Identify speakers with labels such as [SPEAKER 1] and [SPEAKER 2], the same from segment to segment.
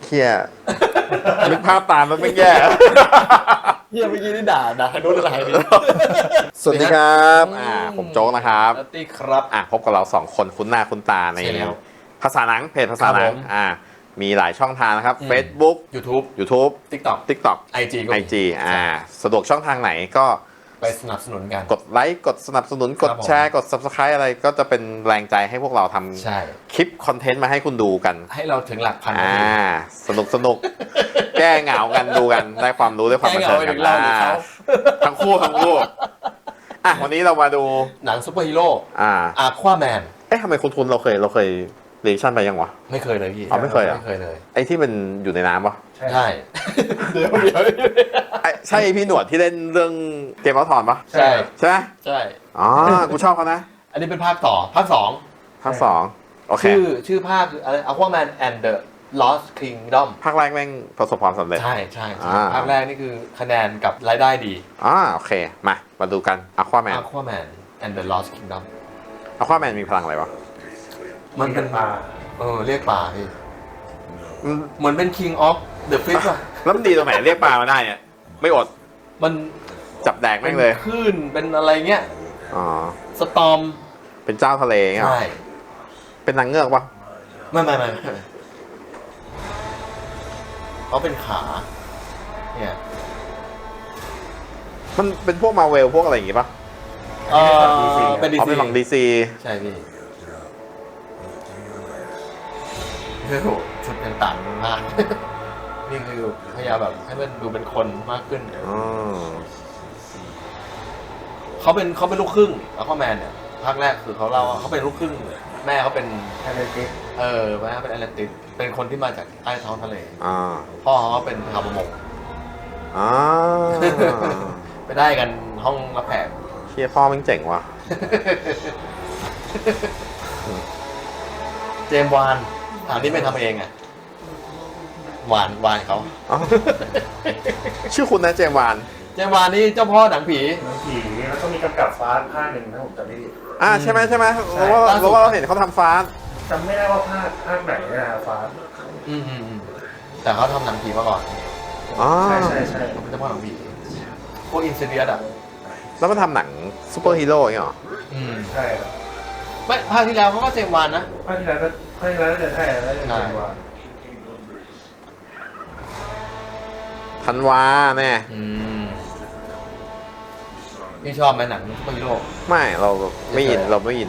[SPEAKER 1] เฮียนึกภาพตามมันไม่แย่
[SPEAKER 2] เฮียเมื่อกี้นี่ด่าโดนอะไรนี่
[SPEAKER 1] สวัสดีครับผมโจ๊กนะครับ
[SPEAKER 2] สวัสดีครับ
[SPEAKER 1] พบกับเรา2คนคุ้นหน้าคุ้นตาใน
[SPEAKER 2] ใช่แล้ว
[SPEAKER 1] ภาษาหนังเพจภาษาหนัง
[SPEAKER 2] ครับผม
[SPEAKER 1] มีหลายช่องทางนะครับ Facebook
[SPEAKER 2] YouTube TikTok
[SPEAKER 1] TikTok
[SPEAKER 2] IG ก็มี
[SPEAKER 1] IG สะดวกช่องทางไหนก็
[SPEAKER 2] ไปสนับสนุนกัน
[SPEAKER 1] กดไลค์กดสนับสนุนกด
[SPEAKER 2] ครับผม
[SPEAKER 1] แชร์กด Subscribe อะไรก็จะเป็นแรงใจให้พวกเราท
[SPEAKER 2] ใช่
[SPEAKER 1] ำคลิปคอนเทนต์มาให้คุณดูกัน
[SPEAKER 2] ให้เราถึงหลักพัน
[SPEAKER 1] สนุก แก้เหงากันดูกันได้ความรู้ได้ความบันเทิงกัน
[SPEAKER 2] เราหรือเขา
[SPEAKER 1] ทั้งคู่วันนี้เรามาดู
[SPEAKER 2] หนังซูเปอร์ฮีโร่ ควาแมน
[SPEAKER 1] ทำไมคุ้นๆเราเคยเรียชั่นไปยังวะ
[SPEAKER 2] ไม่เคยเลยพี่
[SPEAKER 1] ไม่เคยเหรอ
[SPEAKER 2] ไม่เคยเลย
[SPEAKER 1] ไอ้ที่มันอยู่ในน้ำปะ
[SPEAKER 2] ใช่ เดี๋ยว
[SPEAKER 1] ใช่พี่หนวดที่เล่นเรื่องเกมออฟทรอนปะ
[SPEAKER 2] ใช่
[SPEAKER 1] ใช่ไหม
[SPEAKER 2] ใช่
[SPEAKER 1] กูชอบเขานะ
[SPEAKER 2] อันนี้เป็นภาคต่อภาค 2
[SPEAKER 1] ภาค2โอเค
[SPEAKER 2] ชื่อภาคอะไร Aquaman and the Lost Kingdom
[SPEAKER 1] ภาคแรกแม่งประสบความสำเร็จ
[SPEAKER 2] ใช่ภาคแรกนี่คือคะแนนกับรายได้ดี
[SPEAKER 1] โอเคมาดูกัน Aquaman
[SPEAKER 2] Aquaman and the Lost Kingdom
[SPEAKER 1] Aquaman มีพลังอะไรวะ
[SPEAKER 2] มันเป็นปลาเรียกปลาพี่เหมือนเป็น King of the Fish ป่ะ
[SPEAKER 1] แล้วมันดีตรงไหนเรียกปลามาได้เนี่ยไม่อด
[SPEAKER 2] มัน
[SPEAKER 1] จับแดกแม่งเลย
[SPEAKER 2] คลื่นเป็นอะไรเงี้ย
[SPEAKER 1] อ๋อ
[SPEAKER 2] สตอม
[SPEAKER 1] เป็นเจ้าทะเลเงี้ยเหรอ
[SPEAKER 2] ใช่
[SPEAKER 1] เป็นนางเงือกปะ
[SPEAKER 2] ไม่เขาเป็นขาเนี่ย
[SPEAKER 1] มันเป็นพวกมาเวลพวกอะไรอย่างงี้ปะ
[SPEAKER 2] เป็นดี
[SPEAKER 1] เขา
[SPEAKER 2] ซี
[SPEAKER 1] เป็นฝั่งดีซี
[SPEAKER 2] ใช่พี่โอ้โหชุดยังต่างกันมาก นี่คือพยายามแบบให้มันดูเป็นคนมากขึ้น เขาเป็นลูกครึ่งอะควาแมนเนี่ยภาคแรกคือเขาเล่าว่าเขาเป็นลูกครึ่งแม่เขาเป็นแอตแลนติสแม่เขาเป็นแอตแลนติสเป็นคนที่มาจากใต้ท้องทะเลพ่อเขาเป็นชาวประมงไปได้กันห้องรับแขก
[SPEAKER 1] เฮียพ่อแม่งเจ๋งว่ะ
[SPEAKER 2] เจมส์วานอันนี้ไม่ทำเองอ่ะวานเขา
[SPEAKER 1] ชื่อคุณนะเจมส์วาน
[SPEAKER 2] เจมส์วานนี่เจ้าพ่อหนังผี
[SPEAKER 3] แล้วก็มีกำกับฟ้าภาคหนึ่งถ้าผมจำไม่ผิด
[SPEAKER 1] ใช่ไหมเราว่าเราเห็นเขาทำฟาส
[SPEAKER 3] จำไม่ได้ว่าภาคไหนนะฟ้า
[SPEAKER 2] แต่เขาทำหนังผีมาก่อน
[SPEAKER 3] ใช่
[SPEAKER 2] เขาเป็นเจ้าพ่อหนังผีพวกอินเซเดียสอ่ะ
[SPEAKER 1] แล้วมันทำหนังซูเปอร์ฮีโร่อย่างเงี้ยเหรอ
[SPEAKER 3] ใช่ครับ
[SPEAKER 2] ไม่ภาคที่แล้วเขาก็เจมส์วานนะ
[SPEAKER 3] ภาคที่แล้วน่าจะใช่แล้วจะเป็นว่า
[SPEAKER 1] ธันวาแน่
[SPEAKER 2] พี่ชอบไหมหนังซูเปอร์ฮีโร่
[SPEAKER 1] ไม่เราไม่อิน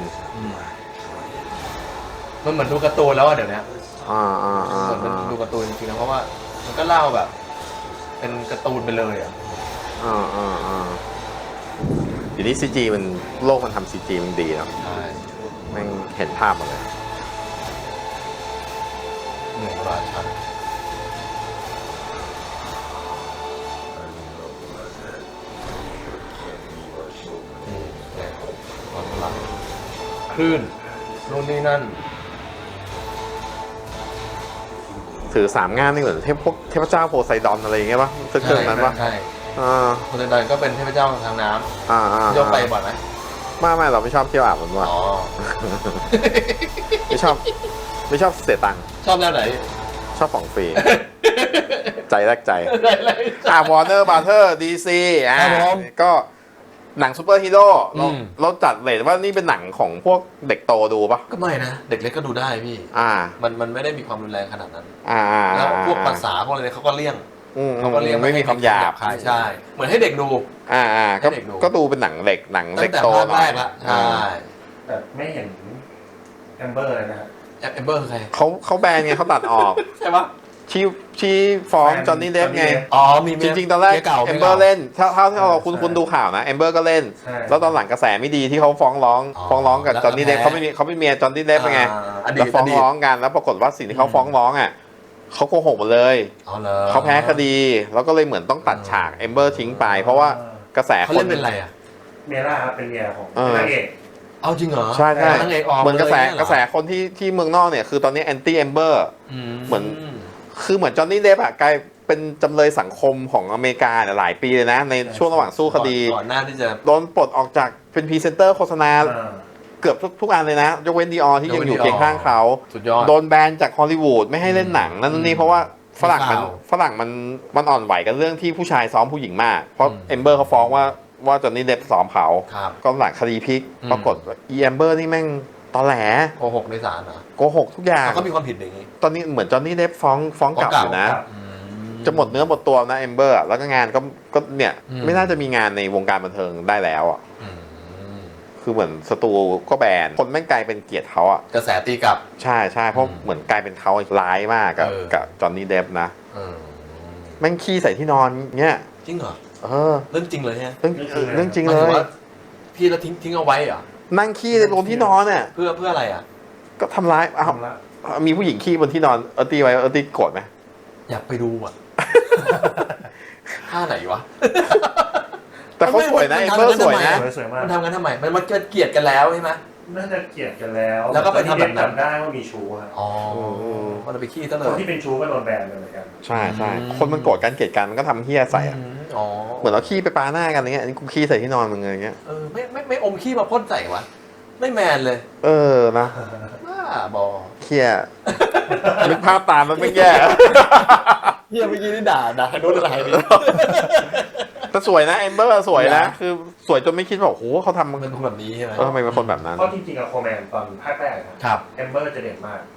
[SPEAKER 2] มันเหมือนดูการ์ตูนแล้วอะเดี๋ยวนี้
[SPEAKER 1] เห
[SPEAKER 2] เหมือนมันดูการ์ตูนจริงๆนะเพราะว่ามันก็เล่าแบบ เป็นการ์ตูนไปเลยอ่ะ
[SPEAKER 1] เดี๋ยวนี้ซีจีมันโลกมันทำซีจีมันดีเนาะ
[SPEAKER 2] ใช่
[SPEAKER 1] แม่งเห็นภาพหมดเลย
[SPEAKER 2] เหนื่อยกว่าฉันเนี่ยความพลังคลื่นนู่นนี่นั่น
[SPEAKER 1] ถือ3 งานนี่เหมือนเทพเจ้าโพไซดอนอะไรอย่างเงี้ยป่ะเครื่องนั้นป่ะ
[SPEAKER 2] ใช่โพไซดอนก็เป็นเทพเจ้าทางน้ำยกไปบ่อยไหม
[SPEAKER 1] ไม่เราไม่ชอบเที่ยวอาบน้ำ
[SPEAKER 2] อ๋อ
[SPEAKER 1] ไม่ชอบเสียตังค์
[SPEAKER 2] ชอบแนวไหน
[SPEAKER 1] ชอบของฟรี ใจแรกใจวอร์เนอร์บาร์เทอร์ดีซีก็หนังซูเปอร์ฮีโร่เราจัดเลยว่านี่เป็นหนังของพวกเด็กโตดูปะ
[SPEAKER 2] ก็ไม่นะ เด็กเล็กก็ดูได้พี่มันไม่ได้มีความรุนแรงขนาดนั้นแล้วพวกภาษาพวกอะไรเขาก็เลี่ยง
[SPEAKER 1] ไม่มีคำหยาบ
[SPEAKER 2] ใช่เหมือนให้เด็กดู
[SPEAKER 1] ก็ดูเป็นหนังเด็กเด็กโต
[SPEAKER 2] ตั้งแต่ภาคแรกละใช่
[SPEAKER 3] แต่ไม่เห็นแอมเบอร์เลยนะฮะ
[SPEAKER 2] แอมเบอร์คือใคร
[SPEAKER 1] เขาแบนไงเขาตัดออก
[SPEAKER 2] ใช่ปะ
[SPEAKER 1] ชี้ฟ้องจอห์นนี่เดฟไง
[SPEAKER 2] มี
[SPEAKER 1] จริงๆตอนแรกแอมเบอร์เล่นถ้าเราคุณดูข่าวนะแอมเบอร์ก็เล่นแล้วตอนหลังกระแสไม่ดีที่เขาฟ้องร้องกับจอห์นนี่เดฟเขาไม่เมียจอห์นนี่เดฟไงแล้วฟ้องร้องกันแล้วปรากฏว่าสิ่งที่เขาฟ้องร้องเขาโกหกหมดเลยเขาแพ้คดีแล้วก็เลยเหมือนต้องตัดฉากแอมเบอร์ทิ้งไปเพราะว่ากระแส
[SPEAKER 2] เขาเล่นเป็นอะไรอ่ะ
[SPEAKER 3] เมล่าครับเป็นเมียของนางเอก
[SPEAKER 2] เอาจริงเหรอ
[SPEAKER 1] ใช่เหมือนกระแส
[SPEAKER 2] ย
[SPEAKER 1] คนที่เมืองนอกเนี่ยคือตอนนี้แอนตี้แอมเบอร์เหมือนจอห์นนี่เดฟกลายเป็นจำเลยสังคมของอเมริกาหลายปีเลยนะในช่วงระหว่างสู้คดี
[SPEAKER 2] ก่อนหน้าที่จะ
[SPEAKER 1] โดนปลดออกจากเป็นพรีเซนเตอร์โฆษณาเกือบทุกอันเลยนะยกเว้นดีออที่ยังอยู่เคียงข้างเขาโดนแบนจากฮอลลีวูดไม่ให้เล่นหนังนั่นนี่เพราะว่าฝรั่งมันอ่อนไหวกันเรื่องที่ผู้ชายซ้อมผู้หญิงมากเพราะเอมเบอร์เขาฟ้องว่าจอห์นนี่เดฟซ้อมเขาก็หลังคดีพลิกปรากฏอีเอมเบอร์นี่แม่งตอแหล
[SPEAKER 2] โกหกในศาลเหรอ
[SPEAKER 1] โกหกทุกอย่าง
[SPEAKER 2] เขามีความผิดอย่างนี้
[SPEAKER 1] ตอนนี้เหมือนจอห์นนี่เดฟฟ้องกลับอยู่นะจะหมดเนื้อหมดตัวนะเอมเบอร์แล้วก็งานก็เนี่ยไม่น่าจะมีงานในวงการบันเทิงได้แล้วอ่ะคือเหมือนสตูก็แบนคนแม่งกลายเป็นเกลียดเขาอ่ะ
[SPEAKER 2] กระแสตีกลับ
[SPEAKER 1] ใช่เพราะเหมือนกลายเป็นเขาร้ายมากกับจอห์นนี่เดฟนะแม่งขี้ใส่ที่นอนเงี้ย
[SPEAKER 2] จริงเหรอเรื่องจริงเลยฮะ
[SPEAKER 1] เรื่องจริงเลย
[SPEAKER 2] พี่แล้วทิ้งเอาไว้เหรอ
[SPEAKER 1] นั่งขี้ในบนที่นอนเนี่ย
[SPEAKER 2] เพื่ออะไรอ่ะ
[SPEAKER 1] ก็ทำร้ายมีผู้หญิงขี้บนที่นอนตีไว้ตีโกรธไหม
[SPEAKER 2] อยากไปดูอ่ะท่าไหนวะ
[SPEAKER 1] แต่เขาสวยนะเอมเบอร์สวยนะ
[SPEAKER 2] มันทำกันทำไมมันเกลียดกันแล้วใช่ไหม
[SPEAKER 3] น่าจะเกลียดกันแล้ว
[SPEAKER 2] แล้วก็ไปทำแบบนั้น
[SPEAKER 3] ได้ว่ามีชู้ครับ
[SPEAKER 2] อ๋อมันไปขี้ซะเลย
[SPEAKER 3] คนที่เป็นชู้ก็โดนแบนเลยเหมือนกัน
[SPEAKER 1] ใช่คนมันโกรธกันเกลียดกันมันก็ทำเหี้ยใส่อ่ะเหมือนเราขี้ไปปาหน้ากันอย่างเงี้ยนี่กูขี้ใส่ที่นอนมึงอะไรเงี้ย
[SPEAKER 2] ไม่อมขี้มาพ่นใส่วะไม่แมนเลย
[SPEAKER 1] นะ
[SPEAKER 2] บอ
[SPEAKER 1] เหี้ยนึกภาพตามมันไม่แย่
[SPEAKER 2] เหี้ยเมื่อกี้นี่ด่าโดนอะไรดิ
[SPEAKER 1] แต่สวยนะเอมเบอร์สวยนะคือสวยจนไม่คิดว่าโอ้โหเขาทำ
[SPEAKER 2] เป็นคนแบบนี้ใช่ไหม
[SPEAKER 1] ทำไมเป็นคนแบบนั้น
[SPEAKER 3] เพราะจริงๆอะโคแมนตอนภาคแรก
[SPEAKER 2] ครับ
[SPEAKER 3] เอมเบอร์จะเด่นมาก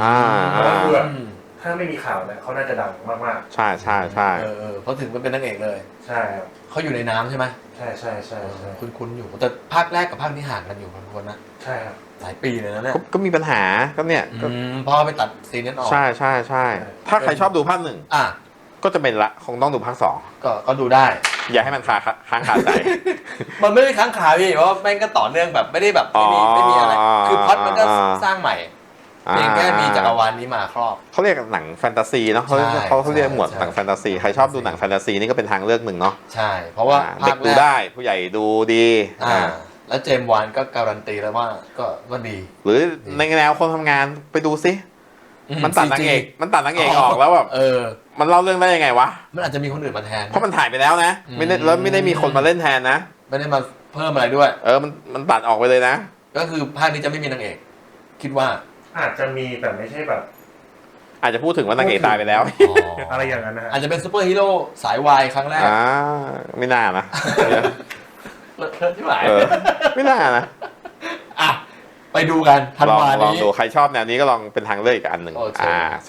[SPEAKER 3] ถ้าไม่มีข่าวเนี่ยเขาน่าจะดังมาก
[SPEAKER 1] ๆใช่
[SPEAKER 2] เขาถึงเป็นนางเอกเลย
[SPEAKER 3] ใช่ครับ
[SPEAKER 2] เขาอยู่ในน้ำใช่ไหม
[SPEAKER 3] ใช่
[SPEAKER 2] คุ้นอยู่แต่ภาคแรกกับภาคนี้ห่างกันอยู่พอสมควรนะ
[SPEAKER 3] ใช่ครับ
[SPEAKER 2] หลายปีเลยนะเนี่ย
[SPEAKER 1] ก็มีปัญหาก็เนี่ย
[SPEAKER 2] พอไปตัดซีนนั้นออก
[SPEAKER 1] ใช่ถ้าใครชอบดูภาคหนึ่งก็จะเป็นละคงต้องดูภาค2
[SPEAKER 2] ก็ดูได้
[SPEAKER 1] อย่าให้มันค้างคาใจ
[SPEAKER 2] มันไม่ได้ค้างคาพี่เพราะแม่งก็ต่อเนื่องแบบไม่ได้แบบไม่มีอะไรคือพล็อตมันก็สร้างใหม่เพียงแค่มีจักรวาลนี้มาครอบ
[SPEAKER 1] เขาเรียกหนังแฟนตาซีเนาะเขาเรียกหมวดหนังแฟนตาซีใครชอบดูหนังแฟนตาซีนี่ก็เป็นทางเลือกหนึ่งเนาะ
[SPEAKER 2] ใช่เพราะว่า
[SPEAKER 1] เด็กดูได้ผู้ใหญ่ดูดี
[SPEAKER 2] แล้วเจมส์วานก็การันตีแล้วว่าก็ดี
[SPEAKER 1] หรือในแนวคนทำงานไปดูซิมันตัดนางเอกออกแล้วแบบมันเล่าเรื่องได้ยังไงวะ
[SPEAKER 2] มันอาจจะมีคนอื่นมาแทน
[SPEAKER 1] เพราะมันถ่ายไปแล้วนะไม่ได้มีคนมาเล่นแทนนะ
[SPEAKER 2] ไม่ได้มาเพิ่มอะไรด้วย
[SPEAKER 1] มันตัดออกไปเลยนะ
[SPEAKER 2] ก็คือภาคนี้จะไม่มีนางเอกคิดว่า
[SPEAKER 3] อาจจะมีแต่ไม่ใช่แบบ
[SPEAKER 1] อาจจะพูดถึงว่านางเอกตายไปแล้ว
[SPEAKER 3] อะไรอย่างนั้นนะ
[SPEAKER 2] อาจจะเป็นซูเปอร์ฮีโร่สายวายครั้งแรก
[SPEAKER 1] ไม่น่านะ
[SPEAKER 2] ที่หมาย
[SPEAKER 1] ไม่น่านะ
[SPEAKER 2] ไปดูกันธันวานี้
[SPEAKER 1] ลองดูใครชอบแนวนี้ก็ลองเป็นทางเลือกอีกอันหนึ่ง